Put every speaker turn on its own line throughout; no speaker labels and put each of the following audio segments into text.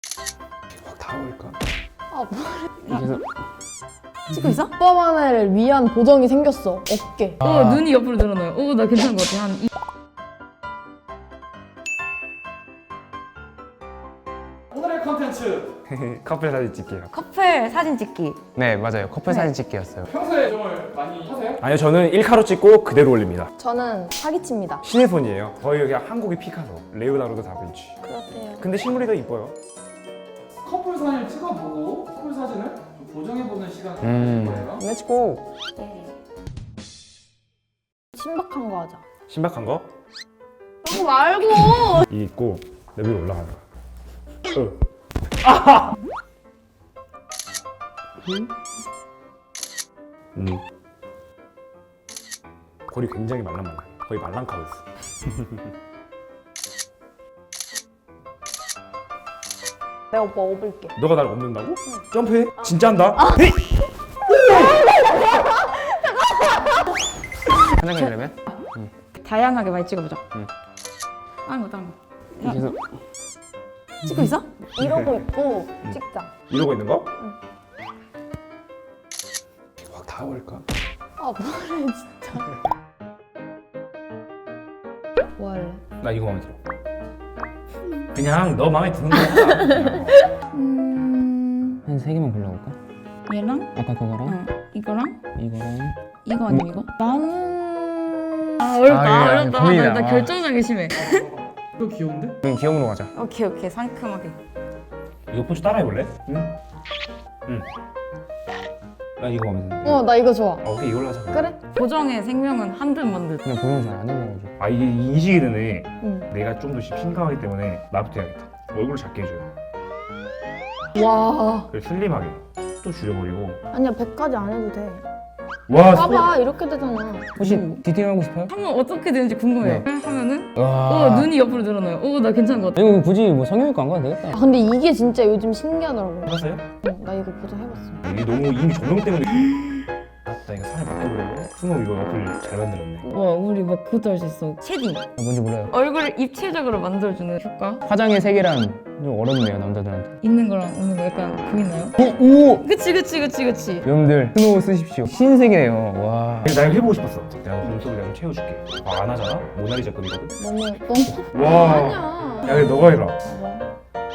확 닿아올까?
아,
그래서
찍고 있어? 오빠만을 위한 보정이 생겼어. 어깨.
눈이 옆으로 늘어나요. 나 괜찮은 것 같아.
오늘의 컨텐츠
커플 사진 찍기요.
커플 사진 찍기.
네 맞아요. 커플 사진 찍기였어요.
평소에 정을 많이 하세요?
아니요 저는 1카로 찍고 그대로 올립니다.
저는 사기칩니다.
신의 손이에요. 거의 그냥 한국의 피카소, 레오나르도 다빈치.
그렇대요.
근데 실물이 더 이뻐요.
커플 사진을 찍어보고 커플 사진을 좀 보정해보는 시간을
음.
가질 거예요.
렛츠고.
신박한 거 하자.
신박한 거?
그런 거 말고.
이 있고 내 위로 올라가는 거. 골이 굉장히 말랑말랑. 거의 말랑카고 있어.
내가 오빠 업을게.
너가 날 업는다고? 점프해? 진짜 한다? 헤이! 하나 가려면?
다양하게 많이 찍어보자.
응.
다른 거.
그래서
찍고 있어?
이러고 있고 찍자.
이러고 있는 거? 확 닿아올까?
아, 뭐래 진짜. 뭐 할래?
나 이거 마음에 들어. 그냥 너 마음에 드는 거야. 한 세 개만 골라볼까?
얘랑?
아까 그거랑
이거랑?
이거랑
이거 아니면 이거? 나는 어렵다. 어렵다.
고민이다.
나 결정하기 심해.
이거 귀여운데?
그럼 귀여움으로 가자.
오케이 상큼하게.
이거 포즈 따라해볼래? 응? 응. 나 이거 마음에 드는데.
나 이거 좋아.
오케이 이걸로 하자.
그래?
보정의 생명은 한듯 만듯.
그냥 보정 잘 안 해봐가지고. 아 이게 인식이 되네.
응.
내가 좀 더 심각하기 때문에 나부터 해야겠다. 얼굴을 작게 해줘요.
와.
그리고 슬림하게. 또 줄여버리고.
아니야, 100까지 안 해도 돼.
와
봐봐, 이렇게 되잖아.
혹시 디테일하고 싶어요?
한번 어떻게 되는지 궁금해. 하면은
와.
눈이 옆으로 늘어나요. 나 괜찮은 것 같아.
이거 굳이 뭐 성형외과 안 가도 되겠다.
아, 근데 이게 진짜 요즘 신기하더라고.
해봤어요?
응, 나 이거 보정해봤어.
이게 너무 이미 조명 때문에. 나 이거 살을 바꿔보려고. 스노우 이거 어플 잘 만들었네.
와 우리 막 그것도 할 수 있어. 쉐딩.
뭔지 몰라요.
얼굴을 입체적으로 만들어주는 효과.
화장의 세계란 좀 어렵네요 남자들한테.
있는 거랑 없는 거 약간 보이나요?
오!
그치.
여러분들 스노우 쓰십시오. 신세계예요. 와. 나 이거 해보고 싶었어. 내가 몸속을 내가 좀 채워줄게. 안 하잖아? 모나리자급이거든.
너무 예뻐.
와.
아니야.
야 근데 너가 해라.
봐봐.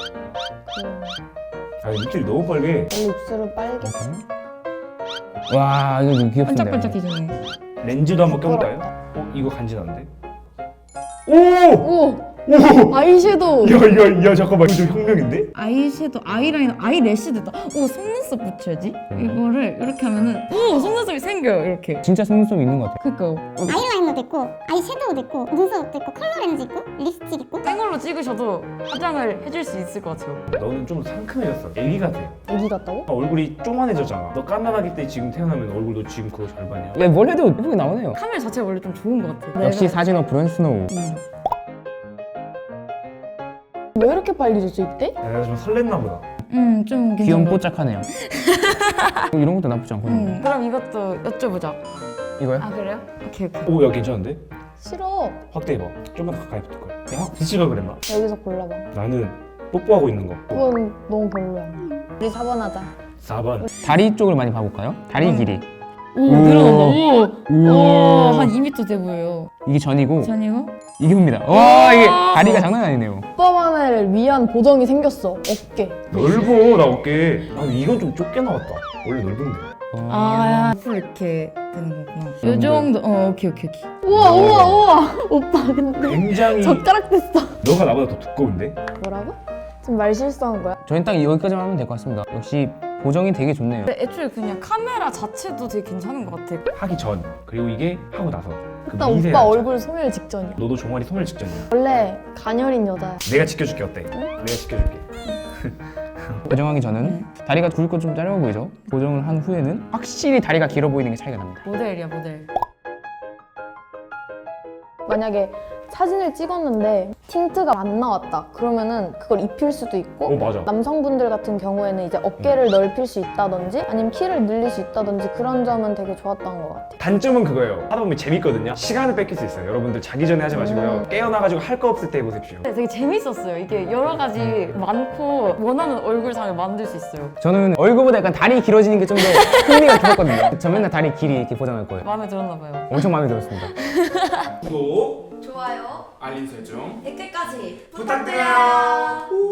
아 입술이 너무 빨개.
원래 입술은 빨개.
와 이거 좀 귀엽던데.
반짝반짝해지네.
렌즈도 한번 껴볼까요? 이거 간지난데? 오!
오! 아이섀도우.
야 잠깐만 이거 좀 혁명인데?
아이섀도우, 아이라이너, 아이래쉬도 있다. 속눈썹 붙여야지. 이거를 이렇게 하면은 속눈썹이 생겨요. 이렇게.
진짜 속눈썹 있는 것 같아.
그니까요.
아이라이너도 있고 아이섀도우도 있고 눈썹도 있고 컬러 렌즈 있고 립스틱 있고
생얼로 찍으셔도 화장을 해줄 수 있을 것 같아요.
너는 좀 상큼해졌어. 애기 같아.
애기 같다고?
얼굴이 쪼만해졌잖아. 너 까만하기 때 지금 태어나면 얼굴도 지금 그거 잘 봤냐? 야, 뭘 해도 예쁘게 나오네요.
카메라 자체가 원래 좀 좋은 것 같아.
역시 사진 어플은 스노우.
왜 이렇게 빨개졌어, 이때?
내가 좀 설렜나 보다.
좀 괜찮아.
뽀짝하네요. 이런 것도 나쁘지 않거든요.
그럼 이것도 여쭤보자.
이거요?
아 그래요? 오케이.
오, 야 괜찮은데?
싫어.
확대해봐. 좀만 가까이 붙을 거야. 야, 확 붙이가 그랬나?
여기서 골라봐.
나는 뽀뽀하고 있는 거.
그건 너무 별로야. 우리 4번 하자.
4번. 다리 쪽을 많이 봐볼까요? 다리 길이.
오 늘어난다. 한 2m 돼 보여요.
이게 전이고
전이고
이게 후입니다. 와 이게 다리가 장난 아니네요.
오빠만을 위한 보정이 생겼어. 어깨.
넓어 나 어깨. 아 이건 좀 좁게 나왔다. 원래 넓은데.
앞으로 이렇게 되는 거구나. 요 정도. 오케이.
우와. 오빠, 근데
굉장히
젓가락 됐어.
너가 나보다 더 두꺼운데?
뭐라고? 지금 말 실수한 거야?
저희는 딱 여기까지만 하면 될 것 같습니다. 역시 보정이 되게 좋네요.
근데 애초에 그냥 카메라 자체도 되게 괜찮은 것 같아.
하기 전 그리고 이게 하고 나서 그
일단
미세한
오빠
점.
얼굴 소멸 직전이야.
너도 종아리 소멸 직전이야.
원래 가녀린 여자야.
내가 지켜줄게 어때? 내가 지켜줄게. 보정하기 전은 다리가 굵고 좀 짧아 보이죠? 보정을 한 후에는 확실히 다리가 길어 보이는 게 차이가 납니다.
모델이야 모델.
만약에 사진을 찍었는데 틴트가 안 나왔다. 그러면은 그걸 입힐 수도 있고
맞아.
남성분들 같은 경우에는 이제 어깨를 넓힐 수 있다든지 아니면 키를 늘릴 수 있다든지 그런 점은 되게 좋았던 것 같아요.
단점은 그거예요. 하다 보면 재밌거든요. 시간을 뺏길 수 있어요. 여러분들 자기 전에 하지 마시고요. 깨어나가지고 할 거 없을 때 해보십시오.
되게 재밌었어요. 이게 여러 가지 많고 원하는 얼굴상을 만들 수 있어요.
저는 얼굴보다 약간 다리 길어지는 게 좀 더 흥미가 깊었거든요. 저 맨날 다리 길이 이렇게 포장할 거예요.
마음에 들었나 봐요.
엄청 마음에 들었습니다.
구독,
좋아요,
알림 설정
댓글까지
부탁드려요.